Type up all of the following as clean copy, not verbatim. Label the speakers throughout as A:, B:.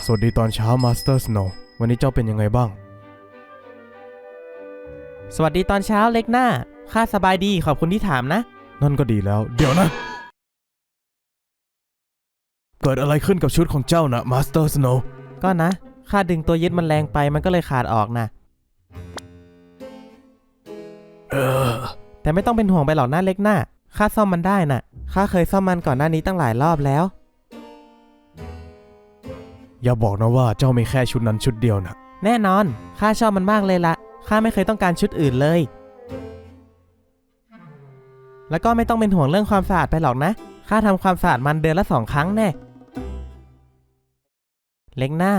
A: สวัสดีตอนเช้ามาสเตอร์สโนว์วันนี้เจ้าเป็นยังไงบ้าง
B: สวัสดีตอนเช้าเล็กหน้าข้าสบายดีขอบคุณที่ถามนะ
A: นั่นก็ดีแล้วเดี๋ยวนะเกิดอะไรขึ้นกับชุดของเจ้านะมาสเตอร์สโนว์
B: ก็นะข้าดึงตัวยึดมันแรงไปมันก็เลยขาดออกนะแต่ไม่ต้องเป็นห่วงไปหรอกนะเล็กหน้าข้าซ่อมมันได้น่ะข้าเคยซ่อมมันก่อนหน้านี้ตั้งหลายรอบแล้ว
A: อย่าบอกนะว่าเจ้ามีแค่ชุดนั้นชุดเดียวนะ
B: แน่นอนข้าชอบมันมากเลยละข้าไม่เคยต้องการชุดอื่นเลยแล้วก็ไม่ต้องเป็นห่วงเรื่องความสะอาดไปหรอกนะข้าทำความสะอาดมันเดือนละ2 ครั้งแน่เล็กหน้า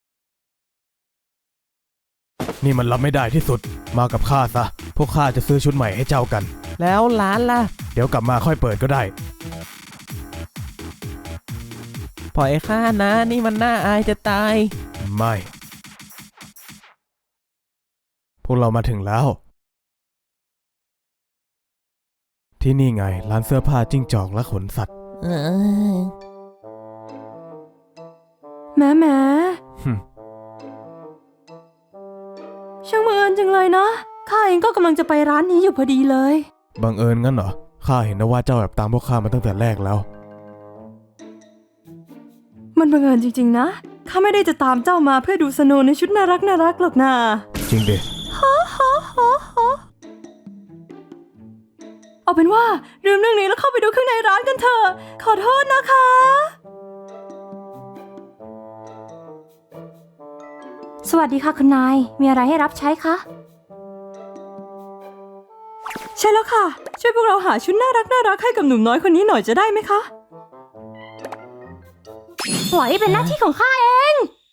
A: นี่มันรับไม่ได้ที่สุดมากับข้าซะพวกข้าจะซื้อชุดใหม่ให้เจ้ากัน
B: แล้วร้านล่ะ
A: เดี๋ยวกลับมาค่อยเปิดก็ได้
B: ปล่อยข้านะนี่มันน่าอายจะตาย
A: ไม่พวกเรามาถึงแล้วที่นี่ไงร้านเสื้อผ้าจิ้งจอกและขนสัตว์
C: แม่ช่างบังเอิญจังเลยนะข้าเองก็กำลังจะไปร้านนี้อยู่พอดีเลย
A: บังเอิญงั้นเหรอข้าเห็นนะว่าเจ้าแอบตามพวกข้ามาตั้งแต่แรกแล้ว
C: มันบังเอิญจริงๆนะข้าไม่ได้จะตามเจ้ามาเพื่อดูสโนว์ในชุดน่ารักหรอกนะ
A: จริงดิ
C: เอาเป็นว่าลืมเรื่องนี้แล้วเข้าไปดูข้างในร้านกันเถอะขอโทษนะคะสวัสดีค่ะคุณนายมีอะไรให้รับใช้คะใช่แล้วค่ะช่วยพวกเราหาชุดน่ารักให้กับหนุ่มน้อยคนนี้หน่อยจะได้ไหมคะปล่อยเป็นหน้าที่ของข้าเอง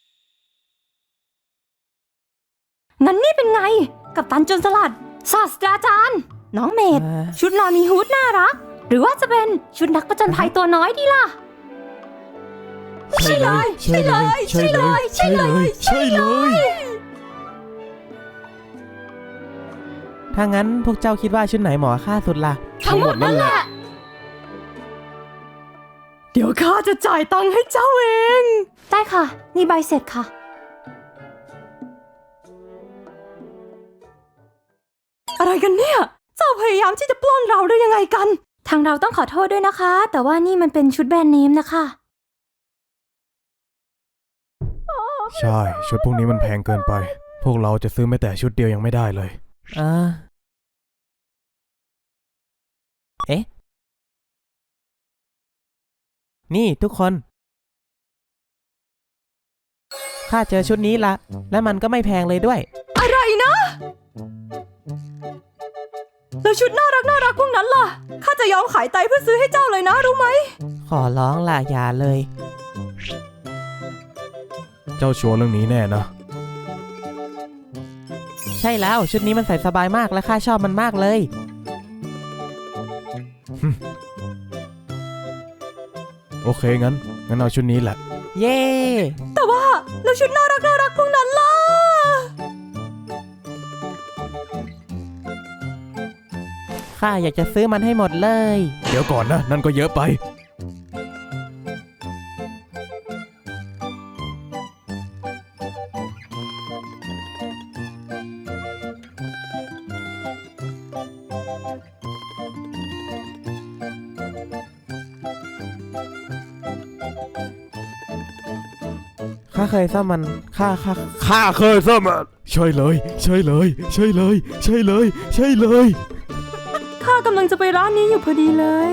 C: งั้นนี่เป็นไงกัปตันโจรสลัดศาสตราจารย์น้องเมดชุดนอนมีฮู้ดน่ารักหรือว่าจะเป็นชุดนักผจญภัยตัวน้อยดีล่ะใช่เลย
B: ถ้างั้นพวกเจ้าคิดว่าชุดไหนเหมาะค่าสุดล่ะ
C: ทั้งหมดนั่นแหละเดี๋ยวข้าจะจ่ายตังค์ให้เจ้าเองได้ค่ะนี่ใบเสร็จค่ะอะไรกันเนี่ยเจ้าพยายามที่จะปล้นเราได้ยังไงกันทางเราต้องขอโทษด้วยนะคะแต่ว่านี่มันเป็นชุดแบรนด์เนมนะคะ
A: ใช่ชุดพวกนี้มันแพงเกินไปพวกเราจะซื้อแม้แต่ชุดเดียวยังไม่ได้เลย
B: เอ๊ะนี่ทุกคนข้าเจอชุดนี้ละและมันก็ไม่แพงเลยด้วย
C: อะไรนะแล้วชุดน่ารักพวกนั้นล่ะข้าจะยอมขายไตเพื่อซื้อให้เจ้าเลยนะรู้ไหม
B: ขอร้องล่ะอย่าเลย
A: เจ้าชัวร์เรื่องนี้แน่นะ
B: ใช่แล้วชุดนี้มันใส่สบายมากและข้าชอบมันมากเลย
A: โอเคงั้นเอาชุดนี้แหละ
B: เย้
C: แต่ว่าแล้วชุดน่ารักพวกนั้นล่ะ
B: ข้าอยากจะซื้อมันให้หมดเลย
A: เดี๋ยวก่อนนะนั่นก็เยอะไป
B: ข้าเคยซ่อมมันข้า
A: เคยซ่อมมันใช่เลย
C: ข้ากำลังจะไปร้านนี้อยู่พอดีเลย